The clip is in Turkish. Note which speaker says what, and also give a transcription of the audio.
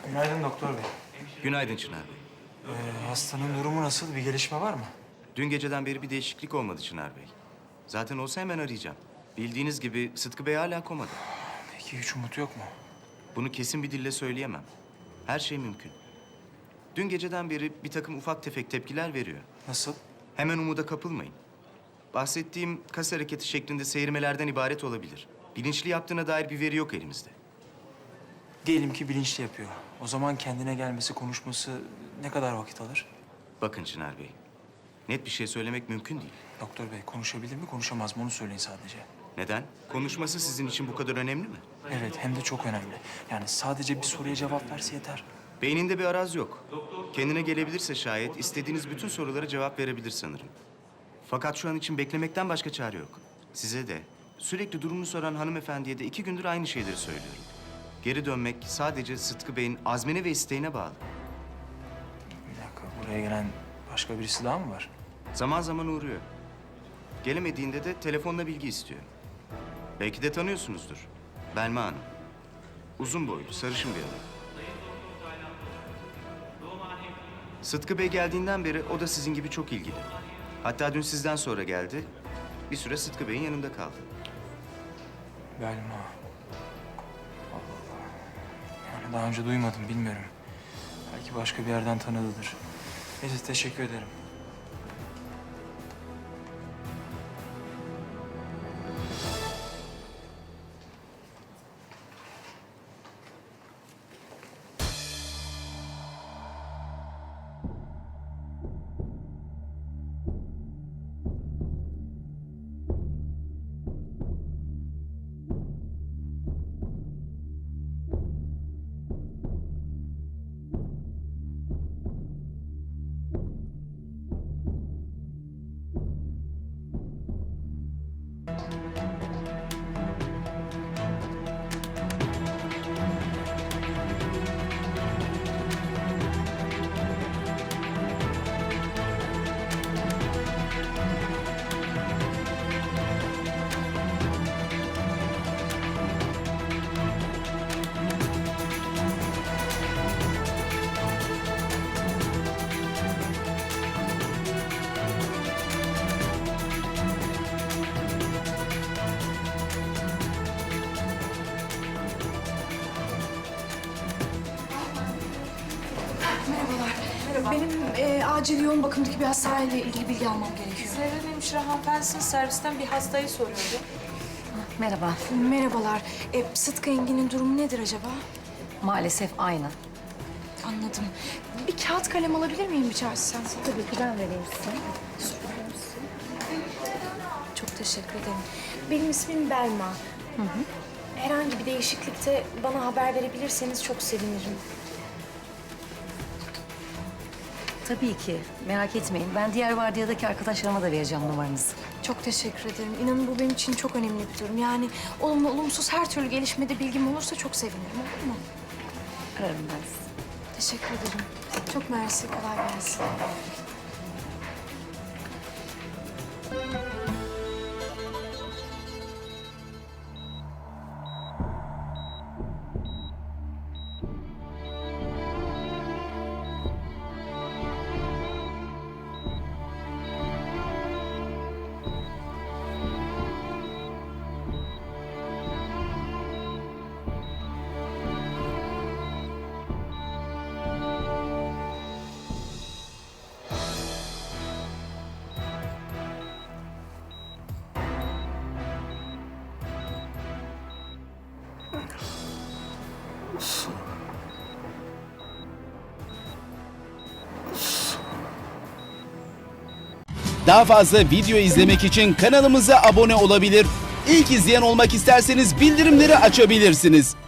Speaker 1: Günaydın doktor bey.
Speaker 2: Günaydın Çınar Bey.
Speaker 1: Hastanın durumu nasıl? Bir gelişme var mı?
Speaker 2: Dün geceden beri bir değişiklik olmadı Çınar Bey. Zaten olsa hemen arayacağım. Bildiğiniz gibi Sıtkı Bey hala komada.
Speaker 1: Peki hiç umut yok mu?
Speaker 2: Bunu kesin bir dille söyleyemem. Her şey mümkün. Dün geceden beri bir takım ufak tefek tepkiler veriyor.
Speaker 1: Nasıl?
Speaker 2: Hemen umuda kapılmayın. Bahsettiğim kas hareketi şeklinde seyirmelerden ibaret olabilir. Bilinçli yaptığına dair bir veri yok elimizde.
Speaker 1: Diyelim ki bilinçli yapıyor. O zaman kendine gelmesi, konuşması ne kadar vakit alır?
Speaker 2: Bakın Çınar Bey, net bir şey söylemek mümkün değil.
Speaker 1: Doktor bey konuşabilir mi, konuşamaz mı onu söyleyin sadece.
Speaker 2: Neden? Konuşması sizin için bu kadar önemli mi?
Speaker 1: Evet, hem de çok önemli. Yani sadece bir soruya cevap verse yeter.
Speaker 2: Beyninde bir araz yok. Kendine gelebilirse şayet istediğiniz bütün sorulara cevap verebilir sanırım. Fakat şu an için beklemekten başka çare yok. Size de, sürekli durumunu soran hanımefendiye de 2 gündür aynı şeyleri söylüyorum. Geri dönmek sadece Sıtkı Bey'in azmine ve isteğine bağlı.
Speaker 1: Bir dakika, buraya gelen başka birisi daha mı var?
Speaker 2: Zaman zaman uğruyor. Gelemediğinde de telefonla bilgi istiyor. Belki de tanıyorsunuzdur. Belma Hanım. Uzun boylu, sarışın bir adam. Sıtkı Bey geldiğinden beri o da sizin gibi çok ilgili. Hatta dün sizden sonra geldi. Bir süre Sıtkı Bey'in yanında kaldı.
Speaker 1: Belma. Allah Allah. Yani daha önce duymadım, bilmiyorum. Belki başka bir yerden tanıdıdır. Neyse, teşekkür ederim.
Speaker 3: Benim acil yoğun bakımdaki bir hastaneyle ilgili bilgi almam gerekiyor.
Speaker 4: Zerrin hemşire hanımefendisinin servisten bir hastayı soruyordu.
Speaker 5: Merhaba.
Speaker 3: Merhabalar. Sıtkı Engin'in durumu nedir acaba?
Speaker 5: Maalesef aynı.
Speaker 3: Anladım. Bir kağıt kalem alabilir miyim rica etsem?
Speaker 5: Tabii ki ben vereyim size.
Speaker 3: Çok teşekkür ederim. Benim ismim Belma. Herhangi bir değişiklikte bana haber verebilirseniz çok sevinirim.
Speaker 5: Tabii ki. Merak etmeyin. Ben diğer vardiyadaki arkadaşlarıma da vereceğim numaranızı.
Speaker 3: Çok teşekkür ederim. İnanın bu benim için çok önemli bir durum. Yani olumlu olumsuz her türlü gelişmede bilgim olursa çok sevinirim. Olur mu?
Speaker 5: Ararım ben sizi.
Speaker 3: Teşekkür ederim. Çok mersi. Kolay gelsin.
Speaker 6: Daha fazla video izlemek için kanalımıza abone olabilir. İlk izleyen olmak isterseniz bildirimleri açabilirsiniz.